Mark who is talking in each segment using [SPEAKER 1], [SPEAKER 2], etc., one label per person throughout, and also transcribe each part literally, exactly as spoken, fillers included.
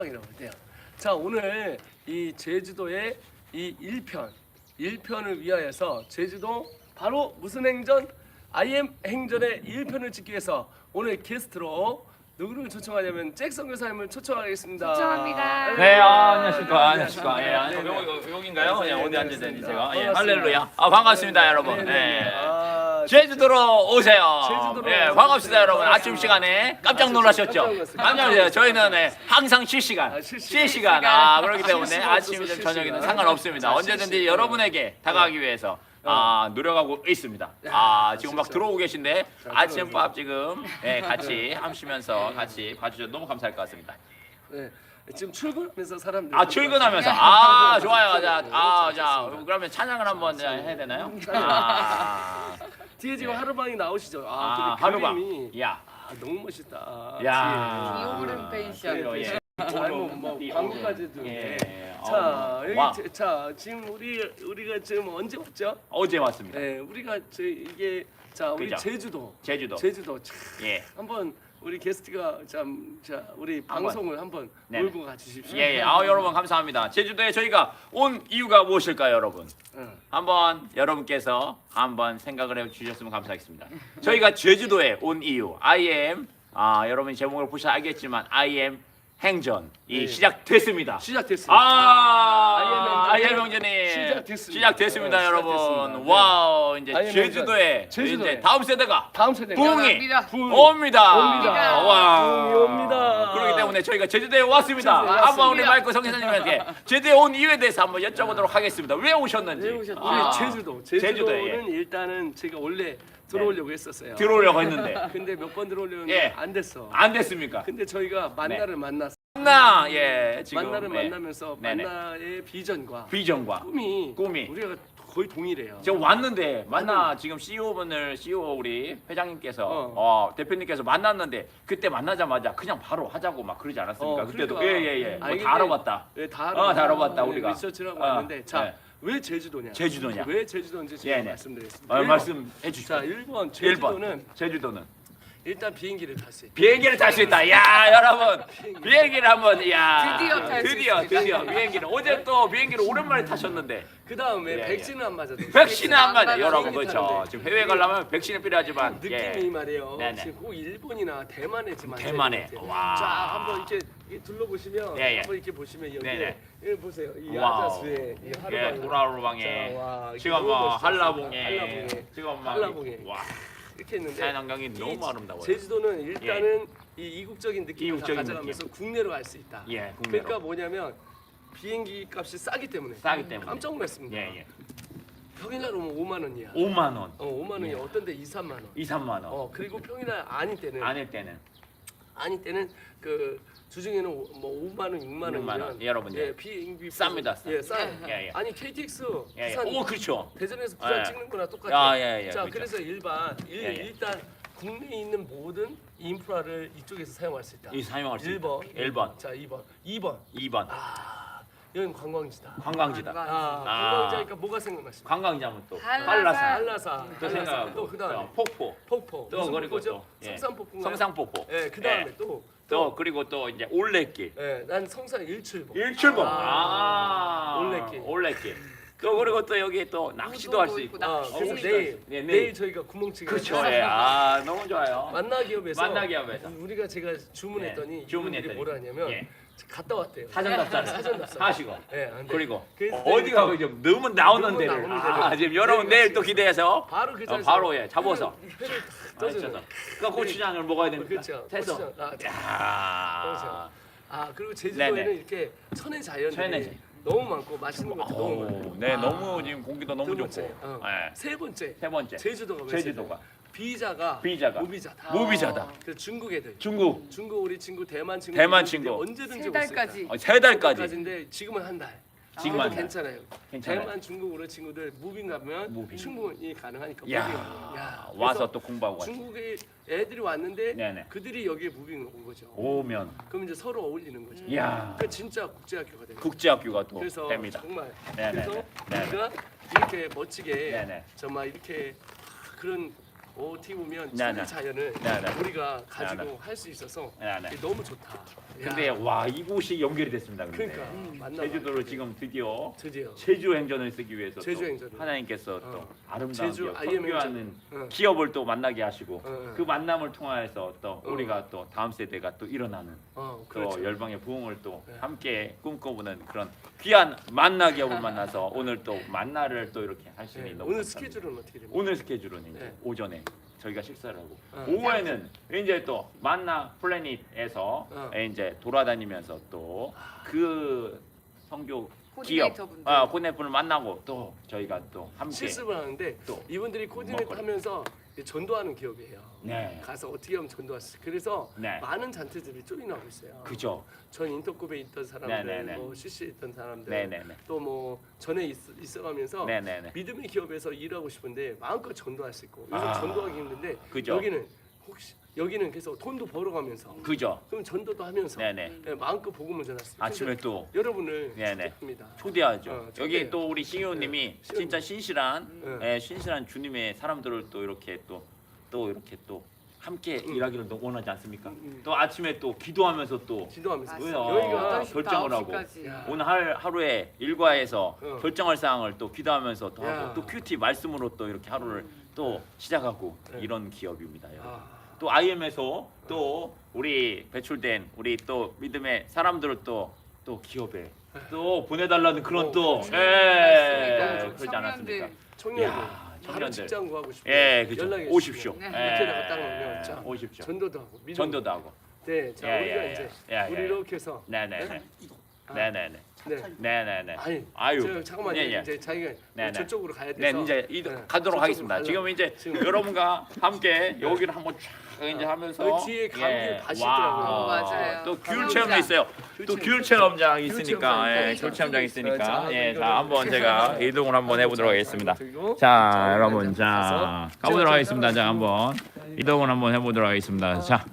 [SPEAKER 1] 이라고 해요. 자, 오늘 이 제주도의 이 일 편, 일 편을 위하여서 제주도 바로 무슨 행전? 아이엠 행전의 일 편을 찍기 위해서 오늘 게스트로 누구를 초청하냐면 잭슨 교사님을 초청하겠습니다.
[SPEAKER 2] 초청합니다.
[SPEAKER 3] 네, 아, 안녕하십니까, 안녕하십니까.
[SPEAKER 1] 네,
[SPEAKER 3] 예,
[SPEAKER 1] 네,
[SPEAKER 3] 네,
[SPEAKER 1] 네.
[SPEAKER 3] 여기 여기인가요?
[SPEAKER 1] 네,
[SPEAKER 3] 예,
[SPEAKER 1] 네,
[SPEAKER 3] 어디
[SPEAKER 1] 네,
[SPEAKER 3] 앉아있는지
[SPEAKER 1] 네,
[SPEAKER 3] 제가. 예,
[SPEAKER 1] 반갑습니다.
[SPEAKER 3] 할렐루야. 아, 반갑습니다, 여러분.
[SPEAKER 1] 네, 네, 네.
[SPEAKER 3] 예.
[SPEAKER 1] 아,
[SPEAKER 3] 제주도로 오세요.
[SPEAKER 1] 제주도로
[SPEAKER 3] 예,
[SPEAKER 1] 오세요.
[SPEAKER 3] 반갑습니다,
[SPEAKER 1] 네,
[SPEAKER 3] 여러분. 아침
[SPEAKER 1] 반갑습니다.
[SPEAKER 3] 시간에 깜짝
[SPEAKER 1] 아침
[SPEAKER 3] 놀라셨죠?
[SPEAKER 1] 깜짝 놀랐어요.
[SPEAKER 3] 깜짝 놀랐어요. 저희는 예, 항상 실시간,
[SPEAKER 1] 아, 실시간.
[SPEAKER 3] 실시간. 아, 그렇기 때문에
[SPEAKER 1] 실시간
[SPEAKER 3] 아침이든
[SPEAKER 1] 없어서
[SPEAKER 3] 저녁이든
[SPEAKER 1] 실시간.
[SPEAKER 3] 상관없습니다.
[SPEAKER 1] 자,
[SPEAKER 3] 언제든지
[SPEAKER 1] 실시간.
[SPEAKER 3] 여러분에게 다가가기 위해서 아, 노력하고 있습니다. 아, 지금 막
[SPEAKER 1] 진짜.
[SPEAKER 3] 들어오고 계신데
[SPEAKER 1] 자,
[SPEAKER 3] 아침밥 지금 예, 같이 하시면서 같이 봐주셔서 너무 감사할 것 같습니다.
[SPEAKER 1] 네. 지금 출근하면서 사람들.
[SPEAKER 3] 아 출근하면서 아 좋아요. 자, 아, 자 그러면 찬양을 한번 해야 되나요? 아,
[SPEAKER 1] 뒤에 지금
[SPEAKER 3] 네.
[SPEAKER 1] 하루방이 나오시죠. 아,
[SPEAKER 3] 아
[SPEAKER 1] 근데
[SPEAKER 3] 하루방.
[SPEAKER 1] 그림이
[SPEAKER 3] 야,
[SPEAKER 1] 아, 너무 멋있다.
[SPEAKER 3] 야.
[SPEAKER 2] 이오그램 펜션.
[SPEAKER 3] 그래요, 예.
[SPEAKER 1] 아뭐 뭐 광고까지도.
[SPEAKER 3] 예.
[SPEAKER 1] 네.
[SPEAKER 3] 어,
[SPEAKER 1] 자, 여기
[SPEAKER 3] 와.
[SPEAKER 1] 제- 자 지금 우리 우리가 지금 언제 왔죠?
[SPEAKER 3] 어제 왔습니다.
[SPEAKER 1] 네, 우리가 저 이게 자 우리
[SPEAKER 3] 그죠.
[SPEAKER 1] 제주도.
[SPEAKER 3] 제주도.
[SPEAKER 1] 제주도 참
[SPEAKER 3] 예.
[SPEAKER 1] 한번 우리 게스트가 참 자 우리 방송을 한번
[SPEAKER 3] 네네.
[SPEAKER 1] 몰고 가주십시오.
[SPEAKER 3] 예, 예. 아 여러분 감사합니다. 제주도에 저희가 온 이유가 무엇일까요, 여러분?
[SPEAKER 1] 응.
[SPEAKER 3] 한번 여러분께서 한번 생각을 해 주셨으면 감사하겠습니다. 저희가 제주도에 온 이유, I am 아 여러분 제목을 보셔서 알겠지만 I am 행전이
[SPEAKER 1] 네.
[SPEAKER 3] 시작됐습니다.
[SPEAKER 1] 시작됐습니다.
[SPEAKER 3] 아,
[SPEAKER 1] 아이엠
[SPEAKER 3] 아이엠
[SPEAKER 1] 행전이
[SPEAKER 3] 형제님
[SPEAKER 1] 시작됐습니다.
[SPEAKER 3] 시작됐습니다,
[SPEAKER 1] 네,
[SPEAKER 3] 여러분.
[SPEAKER 1] 시작됐습니다.
[SPEAKER 3] 와우, 이제
[SPEAKER 1] 아이엠
[SPEAKER 3] 제주도에
[SPEAKER 1] 행전. 제주도에.
[SPEAKER 3] 이제 다음 세대가
[SPEAKER 1] 다음 세대
[SPEAKER 3] 부흥이
[SPEAKER 2] 옵니다.
[SPEAKER 1] 부흥.
[SPEAKER 3] 옵니다.
[SPEAKER 1] 옵니다.
[SPEAKER 3] 와,
[SPEAKER 1] 부흥이 옵니다.
[SPEAKER 3] 그렇기 때문에 저희가 제주도에 왔습니다.
[SPEAKER 1] 제주도에
[SPEAKER 3] 한번 우리
[SPEAKER 2] 왔습니다.
[SPEAKER 3] 마이크 성기사님한테 제주에 온 이유에 대해서 한번 여쭤보도록 하겠습니다. 왜 오셨는지.
[SPEAKER 2] 왜 오셨는지.
[SPEAKER 1] 우리
[SPEAKER 3] 아,
[SPEAKER 1] 제주도
[SPEAKER 3] 제주도에,
[SPEAKER 1] 제주도는 일단은 제가 원래 들어오려고 했었어요.
[SPEAKER 3] 들어오려고 했는데
[SPEAKER 1] 근데 몇 번 들어오려는데
[SPEAKER 3] 예.
[SPEAKER 1] 안 됐어.
[SPEAKER 3] 안 됐습니까?
[SPEAKER 1] 근데 저희가 만나를 만났어.
[SPEAKER 3] 나 예, 지금
[SPEAKER 1] 만나를
[SPEAKER 3] 예,
[SPEAKER 1] 만나면서
[SPEAKER 3] 네네.
[SPEAKER 1] 만나의 비전과
[SPEAKER 3] 비전과
[SPEAKER 1] 꿈이
[SPEAKER 3] 꿈이.
[SPEAKER 1] 우리가 거의 동일해요.
[SPEAKER 3] 지금 왔는데 만나 지금 씨이오분을 씨이오 우리 회장님께서
[SPEAKER 1] 어.
[SPEAKER 3] 어. 대표님께서 만났는데 그때 만나자마자 그냥 바로 하자고 막 그러지 않았습니까?
[SPEAKER 1] 어,
[SPEAKER 3] 그때도
[SPEAKER 1] 그러니까.
[SPEAKER 3] 예예예
[SPEAKER 1] 아니,
[SPEAKER 3] 뭐 다
[SPEAKER 1] 근데
[SPEAKER 3] 알아봤다.
[SPEAKER 1] 네, 다
[SPEAKER 3] 어, 다 알아봤다, 우리가.
[SPEAKER 1] 리서치라고
[SPEAKER 3] 어,
[SPEAKER 1] 왔는데 자,
[SPEAKER 3] 네.
[SPEAKER 1] 왜 제주도냐?
[SPEAKER 3] 제주도냐?
[SPEAKER 1] 왜 제주도인지 제가
[SPEAKER 3] 예, 네.
[SPEAKER 1] 말씀드리겠습니다.
[SPEAKER 3] 어,
[SPEAKER 1] 일 번.
[SPEAKER 3] 말씀해 주시죠.
[SPEAKER 1] 자, 일 번
[SPEAKER 3] 일 번
[SPEAKER 1] 제주도는
[SPEAKER 3] 제주도는
[SPEAKER 1] 일단 비행기를 탈 수 있다.
[SPEAKER 3] 비행기를 탈 수 있다. 야 여러분 비행기를 한번 야
[SPEAKER 2] 드디어 탈수
[SPEAKER 3] 드디어
[SPEAKER 2] 있습니다.
[SPEAKER 3] 드디어 비행기를 어제 또 비행기를 오랜만에 타셨는데
[SPEAKER 1] 그 다음에
[SPEAKER 3] 예, 예.
[SPEAKER 1] 백신을 안 맞아도
[SPEAKER 3] 백신을 안 맞아
[SPEAKER 2] 맞아요.
[SPEAKER 3] 여러분
[SPEAKER 1] 비행기
[SPEAKER 3] 그렇죠.
[SPEAKER 1] 타는데.
[SPEAKER 3] 지금 해외 가려면 백신이 필요하지만
[SPEAKER 1] 느낌이
[SPEAKER 3] 예.
[SPEAKER 1] 말이에요.
[SPEAKER 3] 네네.
[SPEAKER 1] 지금 꼭 일본이나 대만에 지금 앉아
[SPEAKER 3] 대만에.
[SPEAKER 1] 있는 것 같아요.
[SPEAKER 3] 와.
[SPEAKER 1] 자, 한번 이렇게, 이렇게 둘러보시면
[SPEAKER 3] 예, 예.
[SPEAKER 1] 한번 이렇게 보시면 여기
[SPEAKER 3] 네네.
[SPEAKER 1] 여기 보세요. 이
[SPEAKER 3] 와우.
[SPEAKER 1] 아자수의 이
[SPEAKER 3] 예,
[SPEAKER 1] 하루방.
[SPEAKER 3] 도라로방에
[SPEAKER 1] 자, 와, 이게
[SPEAKER 3] 지금
[SPEAKER 1] 너무
[SPEAKER 3] 뭐
[SPEAKER 1] 멋있었습니다.
[SPEAKER 3] 한라봉에
[SPEAKER 1] 한라봉에.
[SPEAKER 3] 지금 막
[SPEAKER 1] 한라봉에.
[SPEAKER 3] 와
[SPEAKER 1] 이렇게 했는데
[SPEAKER 3] 자연환경이
[SPEAKER 1] 이
[SPEAKER 3] 너무 아름다워요.
[SPEAKER 1] 제주도는 일단은 이 이국적인 느낌을 다
[SPEAKER 3] 이국적인
[SPEAKER 1] 가져가면서 국내로 갈 수 있다.
[SPEAKER 3] 예, 국내로.
[SPEAKER 1] 그러니까 뭐냐면 비행기 값이 싸기 때문에
[SPEAKER 3] 싸기 때문에.
[SPEAKER 1] 깜짝 놀랐습니다.
[SPEAKER 3] 예, 예.
[SPEAKER 1] 평일날 오면 오만 원이야.
[SPEAKER 3] 오만 원,
[SPEAKER 1] 어, 오만 원이
[SPEAKER 3] 예.
[SPEAKER 1] 어떤 데 이, 삼만 원.
[SPEAKER 3] 이, 삼만 원.
[SPEAKER 1] 어, 그리고 평일날 아닐 때는
[SPEAKER 3] 아닐 때는
[SPEAKER 1] 아닐 때는 그 주중에는 오- 뭐 오만 원, 육만
[SPEAKER 3] 육만 원.
[SPEAKER 1] 원이면
[SPEAKER 3] 여러분,
[SPEAKER 1] 예,
[SPEAKER 3] 예.
[SPEAKER 1] 비행기
[SPEAKER 3] 쌉니다, 싸.
[SPEAKER 1] 예, 싸요.
[SPEAKER 3] 예, 예.
[SPEAKER 1] 아니 케이티엑스
[SPEAKER 3] 예, 예.
[SPEAKER 1] 부산
[SPEAKER 3] 오 그렇죠.
[SPEAKER 1] 대전에서 부산
[SPEAKER 3] 예.
[SPEAKER 1] 찍는 거나 똑같아.
[SPEAKER 3] 야, 예, 예,
[SPEAKER 1] 자,
[SPEAKER 3] 그렇죠.
[SPEAKER 1] 그래서 일반 일,
[SPEAKER 3] 예, 예.
[SPEAKER 1] 일단 국내에 있는 모든 인프라를 이쪽에서 사용할 수 있다.
[SPEAKER 3] 이 사용할 수
[SPEAKER 1] 일 번.
[SPEAKER 3] 있다. 일 번,
[SPEAKER 1] 자, 이 번. 이 번.
[SPEAKER 3] 이 번
[SPEAKER 1] 아, 여기는 관광지다.
[SPEAKER 3] 관광지다.
[SPEAKER 1] 아,
[SPEAKER 3] 아.
[SPEAKER 1] 관광지니까 뭐가 생각나십니까?
[SPEAKER 3] 관광지하면 또
[SPEAKER 2] 한라산.
[SPEAKER 3] 한라산
[SPEAKER 1] 한라산.
[SPEAKER 3] 또 생각하고
[SPEAKER 1] 또 그다음에
[SPEAKER 3] 폭포
[SPEAKER 1] 폭포.
[SPEAKER 3] 또
[SPEAKER 1] 무슨
[SPEAKER 3] 그리고
[SPEAKER 1] 폭포죠?
[SPEAKER 3] 또 예.
[SPEAKER 1] 성산폭포.
[SPEAKER 3] 성산폭포.
[SPEAKER 1] 예, 그다음에
[SPEAKER 3] 예.
[SPEAKER 1] 또
[SPEAKER 3] 또 그리고 또 이제 올레길.
[SPEAKER 1] 예, 난 성산 일출봉.
[SPEAKER 3] 일출봉.
[SPEAKER 1] 아.
[SPEAKER 3] 아,
[SPEAKER 1] 올레길.
[SPEAKER 3] 올레길. 또 그리고 또 여기 또 낚시도 할 수
[SPEAKER 2] 우도도
[SPEAKER 3] 있고.
[SPEAKER 2] 있고
[SPEAKER 1] 아,
[SPEAKER 2] 낚시.
[SPEAKER 1] 그래서
[SPEAKER 3] 어,
[SPEAKER 1] 내일
[SPEAKER 3] 네,
[SPEAKER 1] 내일,
[SPEAKER 3] 내일.
[SPEAKER 1] 저희가 구멍치기
[SPEAKER 3] 그렇죠. 예. 아, 너무 좋아요.
[SPEAKER 1] 만나기업에서
[SPEAKER 3] 만나기업에서.
[SPEAKER 1] 우리가 제가 주문했더니
[SPEAKER 3] 예, 주문했더니.
[SPEAKER 1] 이분들이 뭐라 하냐면
[SPEAKER 3] 예.
[SPEAKER 1] 갔다 왔대요.
[SPEAKER 3] 사전 답사
[SPEAKER 1] 사전 답사.
[SPEAKER 3] 하시고.
[SPEAKER 1] 예, 안 돼.
[SPEAKER 3] 그리고
[SPEAKER 1] 그래서
[SPEAKER 3] 어디
[SPEAKER 1] 내가
[SPEAKER 3] 가고 지금 너무 나오는
[SPEAKER 1] 너무
[SPEAKER 3] 데를
[SPEAKER 1] 나오는
[SPEAKER 3] 아,
[SPEAKER 1] 데를
[SPEAKER 3] 지금 여러분
[SPEAKER 1] 내일
[SPEAKER 3] 내일 또 기대해서
[SPEAKER 1] 바로 그
[SPEAKER 3] 어,
[SPEAKER 1] 자리에서
[SPEAKER 3] 바로 예 잡아서
[SPEAKER 1] 회를
[SPEAKER 3] 아,
[SPEAKER 1] 떠주는.
[SPEAKER 3] 진짜. 그 고추장을 먹어야 됩니다.
[SPEAKER 1] 그렇죠.
[SPEAKER 3] 해서
[SPEAKER 1] 고추장. 아,
[SPEAKER 3] 야.
[SPEAKER 1] 그렇죠. 아, 그리고 제주도에는
[SPEAKER 3] 네네.
[SPEAKER 1] 이렇게 천혜 자연들이
[SPEAKER 3] 천혜 자연.
[SPEAKER 1] 너무 많고 맛있는 것도 너무
[SPEAKER 3] 오,
[SPEAKER 1] 많아요.
[SPEAKER 3] 네,
[SPEAKER 1] 아.
[SPEAKER 3] 너무 지금 공기도 너무
[SPEAKER 1] 두
[SPEAKER 3] 좋고.
[SPEAKER 1] 번째, 어.
[SPEAKER 3] 예.
[SPEAKER 1] 세 번째
[SPEAKER 3] 세 번째.
[SPEAKER 1] 제주도가 왜
[SPEAKER 3] 제주도가.
[SPEAKER 1] 세죠? 비자가
[SPEAKER 3] 비자가.
[SPEAKER 1] 무비자다.
[SPEAKER 3] 무비자다.
[SPEAKER 1] 그래서 중국 애들
[SPEAKER 3] 중국
[SPEAKER 1] 중국 우리 친구 대만 친구
[SPEAKER 3] 대만
[SPEAKER 1] 이분들이
[SPEAKER 3] 친구.
[SPEAKER 1] 언제든지
[SPEAKER 2] 세 달까지.
[SPEAKER 3] 어, 세 달까지.
[SPEAKER 1] 까지인데 지금은 한 달.
[SPEAKER 3] 지금
[SPEAKER 1] 그래도
[SPEAKER 3] 한 달.
[SPEAKER 1] 괜찮아요.
[SPEAKER 3] 괜찮아요.
[SPEAKER 1] 대만 중국 우리 친구들 무빙 가면
[SPEAKER 3] 무빙.
[SPEAKER 1] 충분히 가능하니까
[SPEAKER 3] 야,
[SPEAKER 1] 무빙. 야,
[SPEAKER 3] 와서
[SPEAKER 1] 그래서
[SPEAKER 3] 또 공부하고 가지.
[SPEAKER 1] 중국의 애들이 왔는데
[SPEAKER 3] 네네.
[SPEAKER 1] 그들이 여기에 무빙 온 거죠.
[SPEAKER 3] 오면
[SPEAKER 1] 그럼 이제 서로 어울리는 거죠.
[SPEAKER 3] 야.
[SPEAKER 1] 그 진짜 국제학교가 되는 거죠.
[SPEAKER 3] 국제학교가 또
[SPEAKER 1] 그래서
[SPEAKER 3] 됩니다.
[SPEAKER 1] 정말
[SPEAKER 3] 네네네.
[SPEAKER 1] 그래서
[SPEAKER 3] 네네.
[SPEAKER 1] 우리가 이렇게 멋지게
[SPEAKER 3] 네네.
[SPEAKER 1] 정말 이렇게 그런 어떻게 보면
[SPEAKER 3] 네네.
[SPEAKER 1] 천혜 자연을
[SPEAKER 3] 네네.
[SPEAKER 1] 우리가 가지고
[SPEAKER 3] 네네.
[SPEAKER 1] 할 수 있어서
[SPEAKER 3] 네네.
[SPEAKER 1] 너무 좋다.
[SPEAKER 3] 근데 와 이곳이 연결이 됐습니다. 근데.
[SPEAKER 1] 그러니까 만나.
[SPEAKER 3] 제주도를 지금 드디어
[SPEAKER 1] 드디어
[SPEAKER 3] 제주 행전을 쓰기 위해서 또
[SPEAKER 1] 제주 행전을.
[SPEAKER 3] 하나님께서 또
[SPEAKER 1] 어.
[SPEAKER 3] 아름다운
[SPEAKER 1] 제주
[SPEAKER 3] 기업,
[SPEAKER 1] 아이엠
[SPEAKER 3] 선교하는
[SPEAKER 1] 행전. 어.
[SPEAKER 3] 기업을 또 만나게 하시고
[SPEAKER 1] 어.
[SPEAKER 3] 그 만남을 통하여서 또
[SPEAKER 1] 어.
[SPEAKER 3] 우리가 또 다음 세대가 또 일어나는
[SPEAKER 1] 어,
[SPEAKER 3] 또
[SPEAKER 1] 그렇죠.
[SPEAKER 3] 열방의 부흥을 또
[SPEAKER 1] 네.
[SPEAKER 3] 함께 꿈꿔보는 그런 귀한 만나 기업을 만나서 오늘 또 만나를 또 이렇게 할 수 있는
[SPEAKER 1] 네.
[SPEAKER 3] 너무
[SPEAKER 1] 오늘
[SPEAKER 3] 감사합니다.
[SPEAKER 1] 스케줄은 어떻게 됩니까?
[SPEAKER 3] 오늘 스케줄은 이제
[SPEAKER 1] 네.
[SPEAKER 3] 오전에 저희가 식사를 하고
[SPEAKER 1] 어.
[SPEAKER 3] 오후에는 이제 또 만나 플래닛에서
[SPEAKER 1] 어.
[SPEAKER 3] 이제 돌아다니면서 또 그 성교 기업
[SPEAKER 2] 코디네이터분들.
[SPEAKER 3] 아 코디네이터분을 만나고 또 저희가 또 함께
[SPEAKER 1] 실습을 하는데
[SPEAKER 3] 또
[SPEAKER 1] 이분들이 코디네이트
[SPEAKER 3] 먹거리.
[SPEAKER 1] 하면서 전도하는 기업이에요.
[SPEAKER 3] 네.
[SPEAKER 1] 가서 어떻게 하면 전도할 수 있어요. 그래서
[SPEAKER 3] 네.
[SPEAKER 1] 많은 잔태들이 조인하고 있어요.
[SPEAKER 3] 그죠.
[SPEAKER 1] 전 인터컵에 있던 사람들,
[SPEAKER 3] 네네네.
[SPEAKER 1] 뭐 씨씨에 있던 사람들,
[SPEAKER 3] 네네네.
[SPEAKER 1] 또 뭐 전에 있, 있어가면서
[SPEAKER 3] 네네네.
[SPEAKER 1] 믿음의 기업에서 일하고 싶은데 마음껏 전도할 수 있고 요즘
[SPEAKER 3] 아.
[SPEAKER 1] 전도하기 힘든데
[SPEAKER 3] 그죠.
[SPEAKER 1] 여기는 혹시 여기는 계속 돈도 벌어가면서
[SPEAKER 3] 그죠.
[SPEAKER 1] 그럼 전도도 하면서
[SPEAKER 3] 네네.
[SPEAKER 1] 네, 마음껏 복음을 전할 수 있어요.
[SPEAKER 3] 아침에 또
[SPEAKER 1] 여러분을
[SPEAKER 3] 네네.
[SPEAKER 1] 축복합니다.
[SPEAKER 3] 초대하죠.
[SPEAKER 1] 어,
[SPEAKER 3] 여기
[SPEAKER 1] 초대해요.
[SPEAKER 3] 또 우리 신효님이
[SPEAKER 1] 네,
[SPEAKER 3] 진짜 신실한
[SPEAKER 1] 네.
[SPEAKER 3] 예, 신실한 주님의 사람들을 또 이렇게 또 또 이렇게 또 함께
[SPEAKER 1] 음.
[SPEAKER 3] 일하기를 또 원하지 않습니까?
[SPEAKER 1] 음, 음.
[SPEAKER 3] 또 아침에 또 기도하면서 또
[SPEAKER 1] 기도하면서
[SPEAKER 2] 맞아요.
[SPEAKER 3] 왜요?
[SPEAKER 1] 여기가
[SPEAKER 2] 여덟 시부터
[SPEAKER 3] 결정을
[SPEAKER 2] 아홉
[SPEAKER 3] 하고.
[SPEAKER 2] 시까지.
[SPEAKER 1] 야.
[SPEAKER 3] 오늘 할 하루에 일과에서
[SPEAKER 1] 어.
[SPEAKER 3] 결정할 사항을 또 기도하면서 또
[SPEAKER 1] 야.
[SPEAKER 3] 하고 또 큐티 말씀으로 또 이렇게 하루를 또 시작하고
[SPEAKER 1] 네.
[SPEAKER 3] 이런 기업입니다. 여러분.
[SPEAKER 1] 아,
[SPEAKER 3] 또 아이엠에서 또 우리 배출된 우리 또 믿음의 사람들을 또 또 기업에 또 보내달라는 그런
[SPEAKER 1] 어,
[SPEAKER 3] 또
[SPEAKER 1] 그렇지.
[SPEAKER 3] 예,
[SPEAKER 2] 맞습니다.
[SPEAKER 3] 그러지 않았습니까?
[SPEAKER 1] 청년들
[SPEAKER 3] 야,
[SPEAKER 1] 바로
[SPEAKER 3] 청년들.
[SPEAKER 1] 직장 구하고 싶어요.
[SPEAKER 3] 예, 그죠.
[SPEAKER 1] 연락해
[SPEAKER 3] 오십시오.
[SPEAKER 1] 주시면
[SPEAKER 2] 네.
[SPEAKER 1] 밑에 나갔다 놓으면 자,
[SPEAKER 3] 오십시오.
[SPEAKER 1] 전도도 하고 믿음.
[SPEAKER 3] 전도도 하고.
[SPEAKER 1] 네, 자
[SPEAKER 3] 예,
[SPEAKER 1] 우리가
[SPEAKER 3] 예,
[SPEAKER 1] 이제
[SPEAKER 3] 예, 예,
[SPEAKER 1] 우리
[SPEAKER 3] 예.
[SPEAKER 1] 이렇게 해서
[SPEAKER 3] 네네네.
[SPEAKER 1] 아,
[SPEAKER 3] 네네네.
[SPEAKER 1] 네.
[SPEAKER 3] 네네네.
[SPEAKER 1] 아니,
[SPEAKER 3] 아유.
[SPEAKER 1] 저, 잠깐만요.
[SPEAKER 3] 예, 예.
[SPEAKER 1] 이제 자기가
[SPEAKER 3] 네, 네.
[SPEAKER 1] 저쪽으로 가야
[SPEAKER 3] 네,
[SPEAKER 1] 돼서
[SPEAKER 3] 이제 이,
[SPEAKER 1] 네,
[SPEAKER 3] 가도록
[SPEAKER 1] 저쪽으로
[SPEAKER 3] 하겠습니다.
[SPEAKER 1] 가려고.
[SPEAKER 3] 지금 이제
[SPEAKER 1] 지금.
[SPEAKER 3] 여러분과 함께 여기를 한번 쫙 이제 하면서
[SPEAKER 1] 여기 뒤에 감귤 밭이
[SPEAKER 3] 와,
[SPEAKER 1] 있더라고요.
[SPEAKER 2] 어, 맞아요.
[SPEAKER 3] 또 귤
[SPEAKER 2] 체험장.
[SPEAKER 3] 체험도 있어요. 또 귤 체험장 있으니까,
[SPEAKER 1] 체험장.
[SPEAKER 3] 예, 귤 체험장 있으니까,
[SPEAKER 1] 자,
[SPEAKER 3] 예,
[SPEAKER 1] 이거를
[SPEAKER 3] 자 한번 제가 이동을 한번 해보도록 하겠습니다.
[SPEAKER 1] 그리고
[SPEAKER 3] 자, 여러분,
[SPEAKER 1] 이제
[SPEAKER 3] 자
[SPEAKER 1] 가서
[SPEAKER 3] 가보도록
[SPEAKER 1] 제가
[SPEAKER 3] 하겠습니다. 자,
[SPEAKER 1] 제가
[SPEAKER 3] 한번 이동을 한번 해보도록 하겠습니다. 자,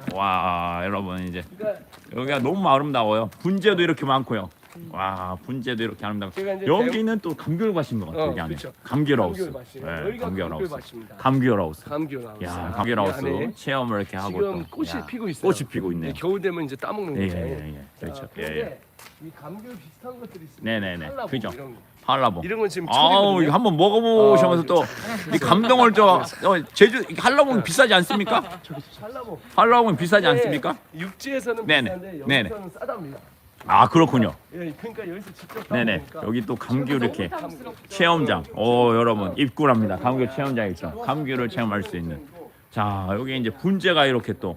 [SPEAKER 3] 와, 여러분 이제
[SPEAKER 1] 그러니까
[SPEAKER 3] 여기가 너무 아름다워요. 분재도 이렇게 많고요. 와, 분재도 이렇게 아름다워.
[SPEAKER 1] 제가 이제
[SPEAKER 3] 여기는 또 감귤밭인 것 같아요.
[SPEAKER 1] 어,
[SPEAKER 3] 여기 안에
[SPEAKER 1] 그렇죠.
[SPEAKER 3] 감귤하우스.
[SPEAKER 1] 감귤밭이에요.
[SPEAKER 3] 예,
[SPEAKER 1] 여기가
[SPEAKER 3] 감귤하우스.
[SPEAKER 1] 감귤밭입니다.
[SPEAKER 3] 감귤하우스.
[SPEAKER 1] 감귤하우스.
[SPEAKER 3] 야,
[SPEAKER 1] 이
[SPEAKER 3] 감귤하우스
[SPEAKER 1] 안에
[SPEAKER 3] 체험을 이렇게 하고
[SPEAKER 1] 지금
[SPEAKER 3] 또.
[SPEAKER 1] 꽃이
[SPEAKER 3] 야,
[SPEAKER 1] 피고 있어요.
[SPEAKER 3] 꽃이 피고 있네요.
[SPEAKER 1] 네, 겨울 되면 이제 따먹는
[SPEAKER 3] 예,
[SPEAKER 1] 거죠.
[SPEAKER 3] 예, 예, 예. 그렇죠.
[SPEAKER 1] 자,
[SPEAKER 3] 예, 예.
[SPEAKER 1] 그런데 이 감귤 비슷한 것들이 있습니다.
[SPEAKER 3] 네네네.
[SPEAKER 1] 칼라보
[SPEAKER 3] 그죠.
[SPEAKER 1] 이런 거.
[SPEAKER 3] 한라봉.
[SPEAKER 1] 이런 건 지금
[SPEAKER 3] 아우
[SPEAKER 1] 철이거든요.
[SPEAKER 3] 이거 한번 먹어보시면서
[SPEAKER 1] 아,
[SPEAKER 3] 또 이 감동을 저 어, 제주 한라봉이 비싸지 않습니까?
[SPEAKER 1] 칼라보.
[SPEAKER 3] 한라봉이 비싸지 않습니까?
[SPEAKER 1] 네, 육지에서는
[SPEAKER 3] 네네.
[SPEAKER 1] 비싼데
[SPEAKER 3] 네네.
[SPEAKER 1] 여기서는 싸답니다.
[SPEAKER 3] 아 그렇군요.
[SPEAKER 1] 예, 그러니까 여기서 직접
[SPEAKER 3] 네네.
[SPEAKER 1] 따먹으니까
[SPEAKER 3] 여기 또 감귤 이렇게
[SPEAKER 2] 부담스럽죠.
[SPEAKER 3] 체험장. 오 여러분 입구랍니다. 감귤 체험장 있죠. 감귤을 체험할 수 있는. 자 여기 이제 분재가 이렇게 또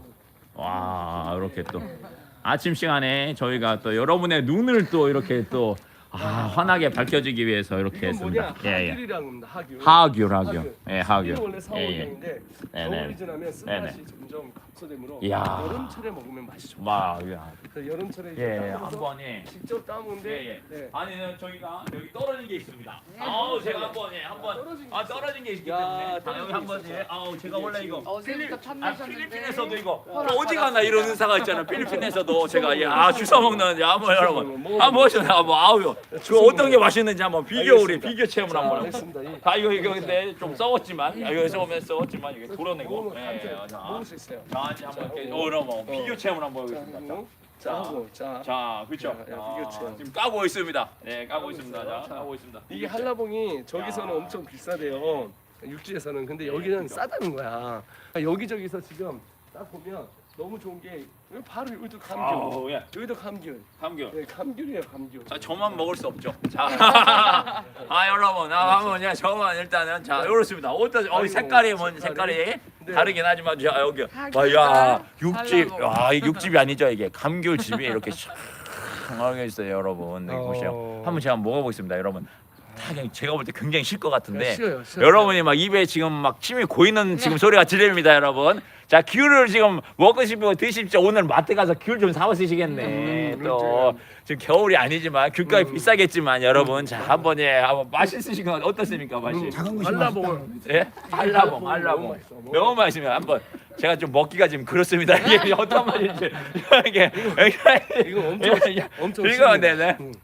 [SPEAKER 3] 와 이렇게 또 아침 시간에 저희가 또 여러분의 눈을 또 이렇게 또 아, 환하게 밝혀지기 위해서 이렇게
[SPEAKER 1] 이건
[SPEAKER 3] 했습니다.
[SPEAKER 1] 뭐냐?
[SPEAKER 3] 예, 예.
[SPEAKER 1] 하귤이라는 겁니다. 하귤.
[SPEAKER 3] 하귤 하귤. 예
[SPEAKER 1] 이게
[SPEAKER 3] 하귤.
[SPEAKER 1] 원래
[SPEAKER 3] 예, 예.
[SPEAKER 1] 사월경인데
[SPEAKER 3] 네네.
[SPEAKER 1] 겨울이 지나면
[SPEAKER 3] 네네.
[SPEAKER 1] 쓴맛이 점점 감소되므로
[SPEAKER 3] 이야.
[SPEAKER 1] 여름철에 먹으면 맛이 좋아.
[SPEAKER 3] 와 야.
[SPEAKER 1] 그래서 여름철에 이제
[SPEAKER 3] 예,
[SPEAKER 1] 따먹어서
[SPEAKER 3] 한 번에
[SPEAKER 1] 직접 따먹는데
[SPEAKER 3] 예, 예.
[SPEAKER 1] 네.
[SPEAKER 3] 아니 저희가 여기 떨어진 게 있습니다.
[SPEAKER 2] 네.
[SPEAKER 3] 아우 제가 한번 예, 한번
[SPEAKER 1] 떨어진 게
[SPEAKER 3] 아
[SPEAKER 1] 있어요.
[SPEAKER 3] 떨어진 게 있기
[SPEAKER 1] 야,
[SPEAKER 3] 때문에 아,
[SPEAKER 1] 떨어진
[SPEAKER 3] 여기
[SPEAKER 1] 게
[SPEAKER 3] 한번
[SPEAKER 1] 있었죠.
[SPEAKER 3] 예. 아우 제가
[SPEAKER 1] 이게
[SPEAKER 3] 원래
[SPEAKER 1] 지금
[SPEAKER 3] 이거
[SPEAKER 2] 어제부터
[SPEAKER 3] 아,
[SPEAKER 2] 탐내셨는데
[SPEAKER 3] 필리핀에서도 이거
[SPEAKER 2] 허락
[SPEAKER 3] 어디 가나
[SPEAKER 2] 받았습니다.
[SPEAKER 3] 이런 은사가 있잖아요. 필리핀에서도 제가 예, 아 주워 먹는 야 한번 여러분 한번 보시면 한번 아우 그 어떤 게 맛있는지 한번 비교 우리
[SPEAKER 1] 알겠습니다.
[SPEAKER 3] 비교 체험을
[SPEAKER 1] 자,
[SPEAKER 3] 한번
[SPEAKER 1] 알겠습니다. 이-
[SPEAKER 3] 아 이거 이거 근데 좀 썩었지만 아, 여기서 오면 썩었지만 이게 도려내고
[SPEAKER 1] 먹으면
[SPEAKER 3] 예,
[SPEAKER 1] 감사해요.
[SPEAKER 3] 자,
[SPEAKER 1] 먹을 수 있어요.
[SPEAKER 3] 자 이제 한번
[SPEAKER 1] 자,
[SPEAKER 3] 이렇게
[SPEAKER 1] 어,
[SPEAKER 3] 어 여러분 비교
[SPEAKER 1] 어.
[SPEAKER 3] 체험을 한번
[SPEAKER 1] 자,
[SPEAKER 3] 해보겠습니다.
[SPEAKER 1] 하고 자, 하고 자.
[SPEAKER 3] 자, 그렇죠.
[SPEAKER 1] 야, 야, 비교 체험.
[SPEAKER 3] 지금 까고 있습니다. 네, 까고
[SPEAKER 1] 까고
[SPEAKER 3] 있습니다.
[SPEAKER 1] 있어요.
[SPEAKER 3] 자,
[SPEAKER 1] 자,
[SPEAKER 3] 까고 있습니다.
[SPEAKER 1] 이게 한라봉이 저기서는
[SPEAKER 3] 야.
[SPEAKER 1] 엄청 비싸대요. 육지에서는. 근데
[SPEAKER 3] 네,
[SPEAKER 1] 여기는
[SPEAKER 3] 그죠.
[SPEAKER 1] 싸다는 거야. 그러니까 여기저기서 지금 딱 보면 너무 좋은 게 여기 바로 여기도 감귤.
[SPEAKER 3] 아우, 예.
[SPEAKER 1] 여기도 감귤.
[SPEAKER 3] 감귤.
[SPEAKER 1] 네, 감귤이에요, 감귤.
[SPEAKER 3] 자, 저만 먹을 수 없죠. 자, 아 여러분, 아 한번 야 저만 일단은 자 이렇습니다. 어떤 어 색깔이 뭔 색깔이
[SPEAKER 1] 네.
[SPEAKER 3] 다르긴 하지만 자 여기
[SPEAKER 2] 하기가
[SPEAKER 3] 와야 육즙,
[SPEAKER 2] 달라고.
[SPEAKER 3] 와 육즙이 아니죠 이게 감귤 즙이 이렇게 샥 있어요, 여러분. 여기
[SPEAKER 1] 어.
[SPEAKER 3] 보세요. 한번 제가 먹어보겠습니다, 여러분. 다 그냥 제가 볼 때 굉장히 실 것 같은데.
[SPEAKER 1] 쉬어요, 쉬어요.
[SPEAKER 3] 여러분이 막 입에 지금 막 침이 고이는 지금 소리가 들립니다, 여러분. 자, 귤을 지금 먹고 싶으면 드십시오. 오늘 마트 가서 귤 좀 사와 쓰시겠네.
[SPEAKER 1] 음,
[SPEAKER 3] 또
[SPEAKER 1] 그렇죠.
[SPEAKER 3] 지금 겨울이 아니지만 귤값이
[SPEAKER 1] 음.
[SPEAKER 3] 비싸겠지만 여러분, 자 한번 예, 한번 맛있으신 건 어떻습니까, 맛이?
[SPEAKER 1] 음,
[SPEAKER 4] 작은 것이
[SPEAKER 1] 한라봉을
[SPEAKER 3] 예, 한라봉,
[SPEAKER 1] 너무
[SPEAKER 3] 한라봉.
[SPEAKER 1] 맛있어, 너무
[SPEAKER 3] 너무 맛있으면 한번 제가 좀 먹기가 지금 그렇습니다. 이게 어떤 맛인지 이게
[SPEAKER 1] 이거 엄청
[SPEAKER 3] 예,
[SPEAKER 1] 엄청
[SPEAKER 3] 이거
[SPEAKER 1] 쉽습니다.
[SPEAKER 3] 네네.
[SPEAKER 1] 음.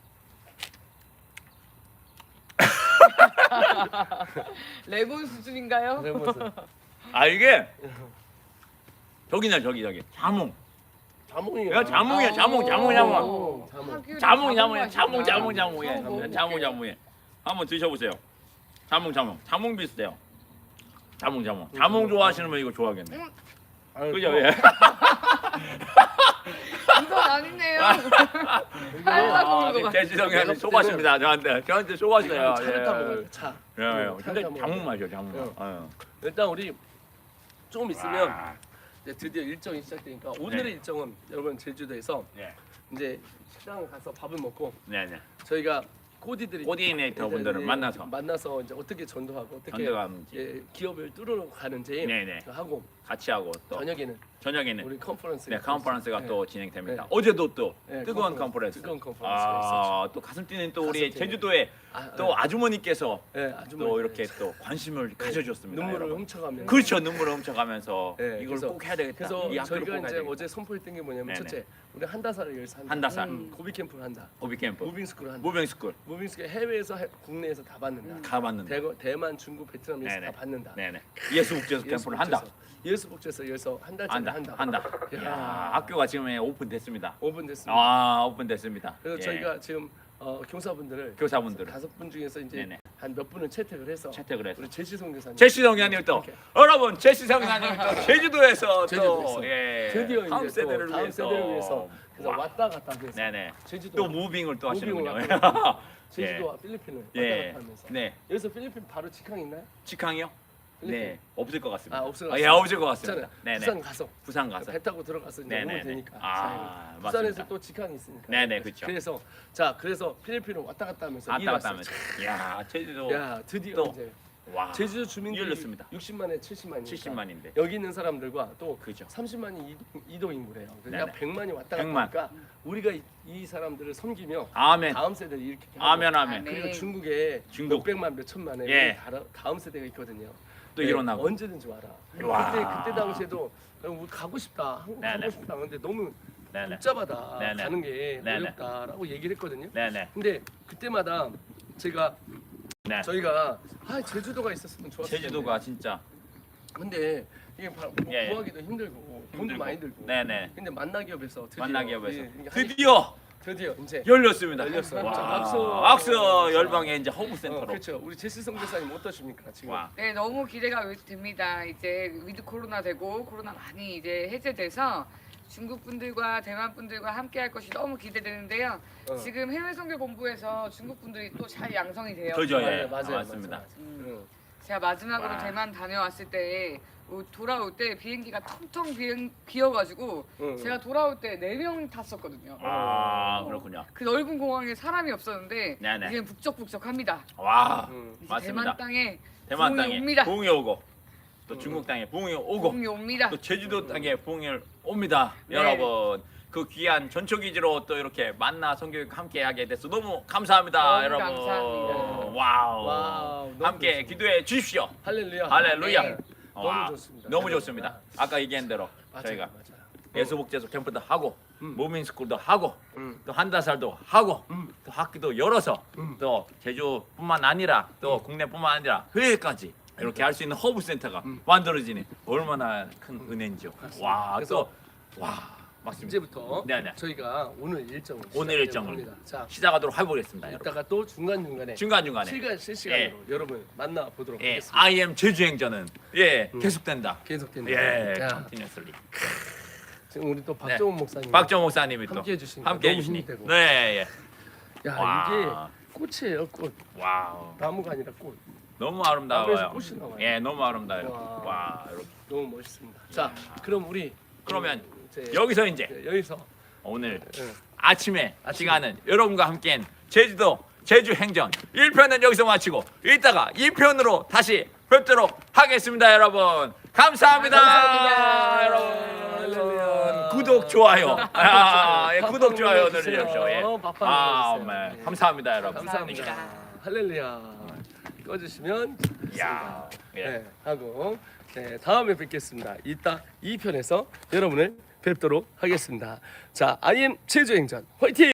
[SPEAKER 2] 레몬 수준인가요?
[SPEAKER 1] 해보세요.
[SPEAKER 3] 아 이게 저기네 저기 저기 자몽
[SPEAKER 1] 자몽이야.
[SPEAKER 3] 야, 자몽이야, 자몽, 자몽, 자몽.
[SPEAKER 1] 어, 자몽.
[SPEAKER 2] 하귤이
[SPEAKER 3] 자몽, 자몽,
[SPEAKER 2] 맛이구나.
[SPEAKER 3] 자몽, 자몽, 자몽, 예,
[SPEAKER 2] 처음 먹어볼게요.
[SPEAKER 3] 자몽, 자몽, 예. 한번 드셔보세요. 자몽, 자몽, 자몽 비슷해요. 자몽, 자몽, 자몽 좋아하시는 분 이거 좋아하겠네.
[SPEAKER 1] 아유,
[SPEAKER 3] 그죠?
[SPEAKER 1] 또
[SPEAKER 3] 예.
[SPEAKER 2] 이건 아니네요. 살다 먹는 거 같아.
[SPEAKER 3] 제지성이 한테 쏘가십니다. 저한테, 저한테 쏘가시네요.
[SPEAKER 1] 차를 타 먹어요. 차.
[SPEAKER 3] 예, 예.
[SPEAKER 1] 차를
[SPEAKER 3] 근데
[SPEAKER 1] 타 먹어요.
[SPEAKER 3] 자몽 맛이요, 자몽.
[SPEAKER 1] 응.
[SPEAKER 3] 아유.
[SPEAKER 1] 일단 우리 조금 있으면
[SPEAKER 3] 와.
[SPEAKER 1] 이제 드디어 일정이 시작되니까 오늘의
[SPEAKER 3] 네.
[SPEAKER 1] 일정은 여러분 제주도에서
[SPEAKER 3] 네,
[SPEAKER 1] 이제 식당을 가서 밥을 먹고
[SPEAKER 3] 네, 네.
[SPEAKER 1] 저희가 코디들이
[SPEAKER 3] 코디네이터 분들을
[SPEAKER 1] 이제
[SPEAKER 3] 만나서
[SPEAKER 1] 만나서 이제 어떻게 전도하고 어떻게
[SPEAKER 3] 전도하는지.
[SPEAKER 1] 예, 기업을 뚫으러 가는지
[SPEAKER 3] 네네.
[SPEAKER 1] 하고
[SPEAKER 3] 같이 하고 또
[SPEAKER 1] 저녁에는
[SPEAKER 3] 저녁에는
[SPEAKER 1] 우리 컨퍼런스
[SPEAKER 3] 네, 컨퍼런스가
[SPEAKER 1] 네.
[SPEAKER 3] 또 진행됩니다.
[SPEAKER 1] 네.
[SPEAKER 3] 어제도 또
[SPEAKER 1] 네,
[SPEAKER 3] 뜨거운
[SPEAKER 1] 컨퍼런스,
[SPEAKER 3] 컨퍼런스.
[SPEAKER 1] 뜨거운 컨퍼런스가
[SPEAKER 3] 아, 또 가슴 뛰는 또 우리
[SPEAKER 1] 가슴 뛰는.
[SPEAKER 3] 제주도에
[SPEAKER 1] 아,
[SPEAKER 3] 또
[SPEAKER 1] 네.
[SPEAKER 3] 아주머니께서
[SPEAKER 1] 네, 아주
[SPEAKER 3] 또 이렇게 또 관심을 가져줬습니다.
[SPEAKER 1] 눈물을
[SPEAKER 3] 여러분.
[SPEAKER 1] 훔쳐가면서
[SPEAKER 3] 그렇죠, 눈물을 훔쳐가면서
[SPEAKER 1] 네,
[SPEAKER 3] 이걸
[SPEAKER 1] 그래서-
[SPEAKER 3] 꼭 해야 되겠다.
[SPEAKER 1] 그래서
[SPEAKER 3] 이 학교를 꼭
[SPEAKER 1] 저희가
[SPEAKER 3] 해야
[SPEAKER 1] 이제
[SPEAKER 3] 되겠다.
[SPEAKER 1] 어제 선포했던 게 뭐냐면
[SPEAKER 3] 네네.
[SPEAKER 1] 첫째 우리 한다사를 열서 한다.
[SPEAKER 3] 한다살.
[SPEAKER 1] 음, 고비 캠프를 한다.
[SPEAKER 3] 오비 캠프,
[SPEAKER 1] 무빙 스쿨을 한다.
[SPEAKER 3] 무빙 스쿨
[SPEAKER 1] 무빙 스쿨 해외에서 해- 국내에서 다 받는다.
[SPEAKER 3] 가 봤는데.
[SPEAKER 1] 대, 대만, 중국, 베트남에서
[SPEAKER 3] 네네.
[SPEAKER 1] 다 받는다.
[SPEAKER 3] 네네. 예수국제에서 캠프를 한다.
[SPEAKER 1] 예수복지에서 열서 한 달짜리
[SPEAKER 3] 한다.
[SPEAKER 1] 한다.
[SPEAKER 3] 한다.
[SPEAKER 1] 야.
[SPEAKER 3] 야, 학교가 지금 오픈됐습니다.
[SPEAKER 1] 오 분 됐습니다.
[SPEAKER 3] 아, 오픈됐습니다.
[SPEAKER 1] 그래서
[SPEAKER 3] 예.
[SPEAKER 1] 저희가 지금 어, 교사분들을
[SPEAKER 3] 교사분들을
[SPEAKER 1] 다섯 분 중에서 이제
[SPEAKER 3] 네네.
[SPEAKER 1] 한 몇 분을 채택을 해서
[SPEAKER 3] 채택을 해서
[SPEAKER 1] 우리 제시송 교사님
[SPEAKER 3] 제시성 교사님 또
[SPEAKER 1] 이렇게.
[SPEAKER 3] 여러분 제시성 교사님 또 제주도에서
[SPEAKER 1] 제주도에서.
[SPEAKER 3] 또 예.
[SPEAKER 1] 드디어
[SPEAKER 3] 다음
[SPEAKER 1] 이제 또
[SPEAKER 3] 세대를
[SPEAKER 1] 다음
[SPEAKER 3] 위해서
[SPEAKER 1] 세대를 위해서 그래서
[SPEAKER 3] 와.
[SPEAKER 1] 왔다 갔다 하면서
[SPEAKER 3] 네네.
[SPEAKER 1] 제주도
[SPEAKER 3] 또 무빙을 또
[SPEAKER 1] 무빙을
[SPEAKER 3] 하시는군요.
[SPEAKER 1] 왔다 제주도와 필리핀을 왔다
[SPEAKER 3] 예.
[SPEAKER 1] 갔다 하면서
[SPEAKER 3] 네.
[SPEAKER 1] 여기서 필리핀 바로 직항 있나요?
[SPEAKER 3] 직항이요?
[SPEAKER 1] 필리핀?
[SPEAKER 3] 네. 없을 것 같습니다.
[SPEAKER 1] 아, 없을 것
[SPEAKER 3] 아, 예,
[SPEAKER 1] 같습니다.
[SPEAKER 3] 없을 것 같습니다.
[SPEAKER 1] 있잖아요.
[SPEAKER 3] 네네.
[SPEAKER 1] 부산 가서
[SPEAKER 3] 부산 가서.
[SPEAKER 1] 배 타고 들어가서 이제
[SPEAKER 3] 네네네.
[SPEAKER 1] 오면 되니까.
[SPEAKER 3] 아,
[SPEAKER 1] 자,
[SPEAKER 3] 맞습니다.
[SPEAKER 1] 부산에서 또 직항이 있으니까.
[SPEAKER 3] 네네, 그쵸.
[SPEAKER 1] 그래서 자 그래서 필리핀을 왔다 갔다 하면서
[SPEAKER 3] 왔다 갔다
[SPEAKER 1] 일왔어요.
[SPEAKER 3] 하면서. 야, 제주도.
[SPEAKER 1] 야 드디어
[SPEAKER 3] 또.
[SPEAKER 1] 이제
[SPEAKER 3] 와.
[SPEAKER 1] 제주도 주민들이
[SPEAKER 3] 열렸습니다.
[SPEAKER 1] 육십만에 칠십만이니까
[SPEAKER 3] 칠십만인데.
[SPEAKER 1] 여기 있는 사람들과 또
[SPEAKER 3] 그죠.
[SPEAKER 1] 삼십만이 이동, 이동 인구래요.
[SPEAKER 3] 네네.
[SPEAKER 1] 그러니까 백만이 왔다 갔다
[SPEAKER 3] 백만.
[SPEAKER 1] 하니까 우리가 이, 이 사람들을 섬기며
[SPEAKER 3] 아멘.
[SPEAKER 1] 다음 세대를 이렇게 하고
[SPEAKER 3] 아멘 아멘.
[SPEAKER 2] 아멘.
[SPEAKER 1] 그리고 중국에
[SPEAKER 3] 중국.
[SPEAKER 1] 몇 백만 몇 천만에
[SPEAKER 3] 예.
[SPEAKER 1] 다른- 다음 세대가 있거든요.
[SPEAKER 3] 또
[SPEAKER 1] 네,
[SPEAKER 3] 일어나고.
[SPEAKER 1] 언제든지 와라.
[SPEAKER 3] 와.
[SPEAKER 1] 그때 그때 당시에도 우리 가고 싶다. 한국
[SPEAKER 3] 네네.
[SPEAKER 1] 가고 싶다. 근데 너무
[SPEAKER 3] 네네.
[SPEAKER 1] 복잡하다.
[SPEAKER 3] 네네.
[SPEAKER 1] 가는 게
[SPEAKER 3] 네네.
[SPEAKER 1] 어렵다라고 얘기를 했거든요.
[SPEAKER 3] 네네.
[SPEAKER 1] 근데 그때마다 제가
[SPEAKER 3] 네.
[SPEAKER 1] 저희가 아 제주도가 있었으면 좋았을 텐데.
[SPEAKER 3] 제주도가 진짜
[SPEAKER 1] 근데 이게 바- 뭐
[SPEAKER 3] 예, 예.
[SPEAKER 1] 구하기도 힘들고 돈도
[SPEAKER 3] 힘들고.
[SPEAKER 1] 많이 들고.
[SPEAKER 3] 네네.
[SPEAKER 1] 근데 만나기업에서 드디어
[SPEAKER 3] 만나기업에서
[SPEAKER 1] 예, 이게
[SPEAKER 3] 드디어
[SPEAKER 1] 드디어 이제
[SPEAKER 3] 열렸습니다.
[SPEAKER 1] 열렸어요.
[SPEAKER 3] 와.
[SPEAKER 1] 자, 박수.
[SPEAKER 3] 박수 열방의 이제 허브
[SPEAKER 1] 어,
[SPEAKER 3] 센터로.
[SPEAKER 1] 그렇죠. 우리 제시성 교사님 어떠십니까 지금?
[SPEAKER 3] 와.
[SPEAKER 2] 네, 너무 기대가 됩니다. 이제 위드 코로나 되고 코로나 많이 이제 해제돼서 중국 분들과 대만 분들과 함께 할 것이 너무 기대되는데요.
[SPEAKER 1] 어.
[SPEAKER 2] 지금 해외 선교 본부에서 중국 분들이 또 잘 양성이 돼요.
[SPEAKER 3] 그죠,
[SPEAKER 1] 맞아요,
[SPEAKER 3] 예.
[SPEAKER 1] 맞아요,
[SPEAKER 3] 맞습니다.
[SPEAKER 1] 맞아요.
[SPEAKER 2] 음.
[SPEAKER 1] 응.
[SPEAKER 2] 제가 마지막으로
[SPEAKER 3] 와.
[SPEAKER 2] 대만 다녀왔을 때 어, 돌아올 때 비행기가 텅텅 비행, 비어가지고
[SPEAKER 1] 응,
[SPEAKER 2] 제가 돌아올 때 네 명 탔었거든요.
[SPEAKER 3] 아, 그렇군요.
[SPEAKER 2] 그 넓은 공항에 사람이 없었는데
[SPEAKER 3] 네네.
[SPEAKER 2] 이제 북적북적합니다.
[SPEAKER 3] 와.
[SPEAKER 1] 응.
[SPEAKER 2] 이제
[SPEAKER 3] 맞습니다.
[SPEAKER 2] 대만 땅에
[SPEAKER 3] 대만
[SPEAKER 2] 부흥이
[SPEAKER 3] 땅에
[SPEAKER 2] 옵니다.
[SPEAKER 3] 부흥이 오고 또 중국 땅에 부흥이 오고
[SPEAKER 2] 부흥이 옵니다.
[SPEAKER 3] 또 제주도 땅에 부흥이 옵니다.
[SPEAKER 2] 네.
[SPEAKER 3] 여러분. 그 귀한 전초기지로 또 이렇게 만나 성교육 함께 하게 돼서 너무 감사합니다,
[SPEAKER 2] 너무
[SPEAKER 3] 여러분.
[SPEAKER 2] 감사합니다.
[SPEAKER 3] 와우.
[SPEAKER 1] 와우, 너무
[SPEAKER 3] 함께
[SPEAKER 1] 좋습니다.
[SPEAKER 3] 기도해 주십시오.
[SPEAKER 1] 할렐루야.
[SPEAKER 3] 할렐루야.
[SPEAKER 1] 네.
[SPEAKER 3] 와,
[SPEAKER 1] 너무 좋습니다.
[SPEAKER 3] 너무 좋습니다. 아까 얘기한 대로
[SPEAKER 1] 맞아요,
[SPEAKER 3] 저희가
[SPEAKER 1] 맞아요.
[SPEAKER 3] 예수복제소 캠프도 하고
[SPEAKER 1] 음.
[SPEAKER 3] 무빙스쿨도 하고
[SPEAKER 1] 음.
[SPEAKER 3] 또 한다살도 하고
[SPEAKER 1] 음.
[SPEAKER 3] 또 학교도 열어서
[SPEAKER 1] 음.
[SPEAKER 3] 또 제주뿐만 아니라 또 국내뿐만 아니라 해외까지 이렇게 할 수 있는 허브 센터가
[SPEAKER 1] 음.
[SPEAKER 3] 만들어지니 얼마나 큰 은혜인지요. 와,
[SPEAKER 1] 그래서
[SPEAKER 3] 또 와, 맞습니다.
[SPEAKER 1] 이제부터
[SPEAKER 3] 네네.
[SPEAKER 1] 저희가 오늘 일정을
[SPEAKER 3] 오늘 일정을
[SPEAKER 1] 합니다. 자,
[SPEAKER 3] 시작하도록 해보겠습니다, 여러분.
[SPEAKER 1] 이따가 또 중간 중간에
[SPEAKER 3] 중간 중간에
[SPEAKER 1] 실간 실시간으로 여러분 만나 보도록
[SPEAKER 3] 예,
[SPEAKER 1] 하겠습니다.
[SPEAKER 3] 아이엠 제주행전은 예
[SPEAKER 1] 음.
[SPEAKER 3] 계속된다.
[SPEAKER 1] 계속됩니다.
[SPEAKER 3] 예,
[SPEAKER 1] 자,
[SPEAKER 3] 컨티뉴스리.
[SPEAKER 1] 지금 우리 또 박정훈 목사님
[SPEAKER 3] 박정 목사님이 또
[SPEAKER 1] 함께 해주시니까
[SPEAKER 3] 함께
[SPEAKER 1] 너무
[SPEAKER 3] 해주시니.
[SPEAKER 1] 힘이 되고.
[SPEAKER 3] 네, 예.
[SPEAKER 1] 야
[SPEAKER 3] 와.
[SPEAKER 1] 이게 꽃이에요, 꽃.
[SPEAKER 3] 와우.
[SPEAKER 1] 나무가 아니라 꽃.
[SPEAKER 3] 너무
[SPEAKER 1] 나무에서
[SPEAKER 3] 아름다워요.
[SPEAKER 1] 꽃이 나와요.
[SPEAKER 3] 예, 너무 아름다워요.
[SPEAKER 1] 와.
[SPEAKER 3] 와, 이렇게.
[SPEAKER 1] 너무 멋있습니다. 자, 그럼 우리
[SPEAKER 3] 그러면
[SPEAKER 1] 음, 이제
[SPEAKER 3] 여기서 이제
[SPEAKER 1] 네, 여기서
[SPEAKER 3] 오늘
[SPEAKER 1] 예.
[SPEAKER 3] 아침에
[SPEAKER 1] 아침에.
[SPEAKER 3] 시간은 여러분과 함께한 제주도 제주 행전 일 편은 여기서 마치고 이따가 이 편으로 다시 뵙도록 하겠습니다, 여러분. 감사합니다.
[SPEAKER 2] 감사합니다.
[SPEAKER 3] 여러분.
[SPEAKER 1] 할렐루야.
[SPEAKER 3] 구독 좋아요. 아, 예,
[SPEAKER 1] 밥
[SPEAKER 3] 구독 좋아요
[SPEAKER 1] 눌러주세요.
[SPEAKER 3] 눌러주십시오. 예.
[SPEAKER 1] 밥
[SPEAKER 3] 아,
[SPEAKER 1] 눌러주세요.
[SPEAKER 3] 정말
[SPEAKER 1] 네.
[SPEAKER 3] 감사합니다, 여러분.
[SPEAKER 1] 감사합니다.
[SPEAKER 2] 감사합니다.
[SPEAKER 1] 할렐루야. 꺼주시면
[SPEAKER 3] 야, 예.
[SPEAKER 1] 네, 하고 네, 다음에 뵙겠습니다. 이따 이 편에서 여러분을 뵙도록 하겠습니다. 자, 아이엠 제주행전 화이팅!